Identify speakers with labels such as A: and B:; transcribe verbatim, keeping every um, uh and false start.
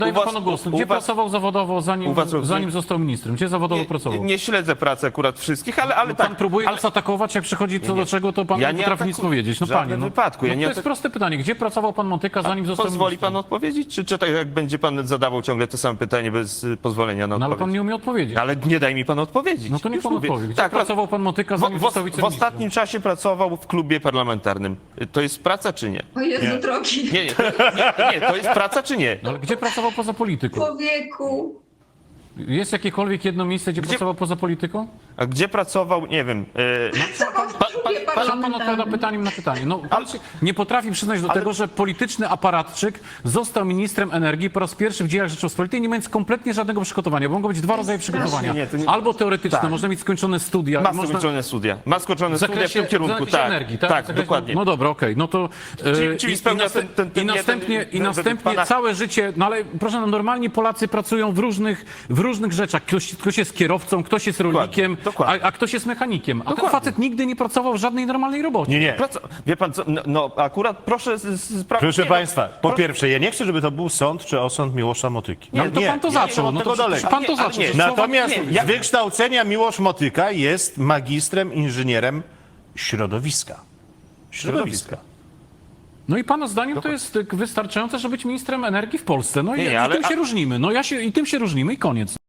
A: Daję
B: u was-
A: panu głos.
B: u-
A: Gdzie
B: u was-
A: pracował zawodowo, zanim,
B: u was-
A: zanim został ministrem? Gdzie zawodowo pracował?
B: Nie, nie śledzę pracy akurat wszystkich, ale, ale
A: Pan
B: tak.
A: próbuje
B: ale,
A: nas atakować, jak przychodzi co
B: Nie,
A: do
B: nie.
A: czego, to pan
B: Ja
A: nie
B: nie
A: potrafi nic
B: atakuję.
A: powiedzieć. No
B: W żadnym
A: panie, no,
B: wypadku. Ja
A: no
B: nie
A: to jest
B: atak-
A: proste pytanie. Gdzie pracował pan Motyka, zanim został
B: Pozwoli
A: ministrem?
B: pan odpowiedzieć? Czy, czy tak jak będzie pan zadawał ciągle to samo pytanie bez y, pozwolenia na
A: No ale
B: odpowiedź?
A: pan nie umie odpowiedzieć.
B: Ale nie daj mi pan odpowiedzieć.
A: No to niech
B: Już
A: pan
B: mówię.
A: odpowie. Gdzie
B: Tak,
A: pracował pan Motyka,
B: w,
A: zanim
B: w,
A: został
B: w
A: wiceministrem?
B: ostatnim czasie pracował w klubie parlamentarnym. To jest praca czy nie?
C: O Jezu, drogi
B: Nie, nie, to, nie, nie, to jest praca czy nie?
A: No ale gdzie pracował poza polityką?
C: człowieku.
A: Jest jakiekolwiek jedno miejsce, gdzie,
B: Gdzie-
A: pracował poza polityką?
B: A gdzie pracował, nie wiem. y,
C: Pracował w
B: pan-
C: klubie
B: pan-
A: Pan, pan odpowiada
C: parlamentarnym.
A: pytaniem na pytanie. No, pan się nie potrafi przyznać do
B: Ale-
A: tego, że polityczny aparatczyk został ministrem energii po raz pierwszy w dziejach Rzeczypospolitej, nie mając kompletnie żadnego przygotowania, bo mogą być dwa rodzaje przygotowania.
B: Nie, to nie-
A: Albo teoretyczne,
B: Tak.
A: można mieć skończone studia.
B: Ma
A: można...
B: skończone studia. Ma skończone
A: W
B: studia w
A: zakresie,
B: tym kierunku,
A: w zakresie
B: tak.
A: energii, tak?
B: Tak,
A: W zakresie-
B: dokładnie.
A: No dobra, okej, no to... e,
B: Czyli- czyli
A: i-
B: spełnia
A: i, naste-
B: ten- ten- ten
A: i następnie,
B: jeden-
A: i
B: ten-
A: następnie
B: pana-
A: całe życie, no ale proszę, no, normalni Polacy pracują w różnych, w różnych rzeczach. Ktoś, ktoś jest kierowcą, ktoś jest rolnikiem,
B: dokładnie.
A: A, a ktoś jest mechanikiem. A ten
B: Dokładnie.
A: facet nigdy nie pracował w żadnej normalnej robocie.
D: Nie, nie.
B: Praca, wie pan co, no, no akurat proszę z- z- sprawdzić.
D: Proszę
B: nie, no,
D: Państwa, po pierwsze, ja nie chcę, żeby to był sąd czy osąd Miłosza Motyki.
A: No to pan to
D: ja
A: zaczął,
D: nie
A: no
D: od
A: to
D: tego
A: przecież
D: daleko.
A: pan to
B: Ale nie,
A: zaczął.
B: ale nie.
A: Przecież słowa-
D: Natomiast
B: nie, ja-
D: z wykształcenia Miłosz Motyka jest magistrem, inżynierem środowiska. Środowiska.
A: No i pana zdaniem to jest wystarczające, żeby być ministrem energii w Polsce. No i,
B: Nie, nie,
A: i
B: ale-
A: tym się
B: a-
A: różnimy. No ja się, i tym się różnimy i koniec.